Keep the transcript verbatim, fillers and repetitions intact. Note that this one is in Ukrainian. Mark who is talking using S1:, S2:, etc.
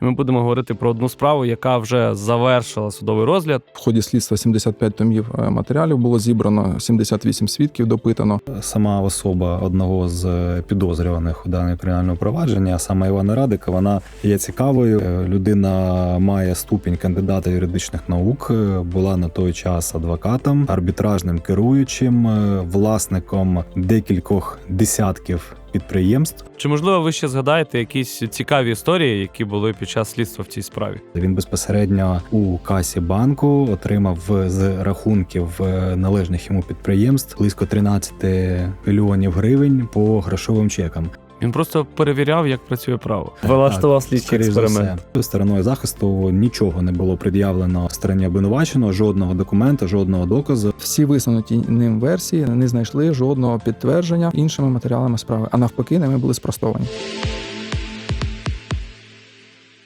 S1: Ми будемо говорити про одну справу, яка вже завершила судовий розгляд.
S2: В ході слідства сімдесят п'ять томів матеріалів було зібрано, сімдесят вісім свідків допитано.
S3: Сама особа одного з підозрюваних у даному кримінальному провадженні, а саме Івана Радика, вона є цікавою. Людина має ступінь кандидата юридичних наук, була на той час адвокатом, арбітражним керуючим, власником декількох десятків підприємств.
S1: Чи, можливо, ви ще згадаєте якісь цікаві історії, які були під час слідства в цій справі?
S3: Він безпосередньо у касі банку отримав з рахунків належних йому підприємств близько тринадцять мільйонів гривень по грошовим чекам.
S1: Він просто перевіряв, як працює право. Влаштував слідчий експеримент.
S3: Стороною захисту нічого не було пред'явлено стороні обвинуваченого, жодного документа, жодного доказу.
S2: Всі висунуті ним версії не знайшли жодного підтвердження іншими матеріалами справи, а навпаки, ними були спростовані.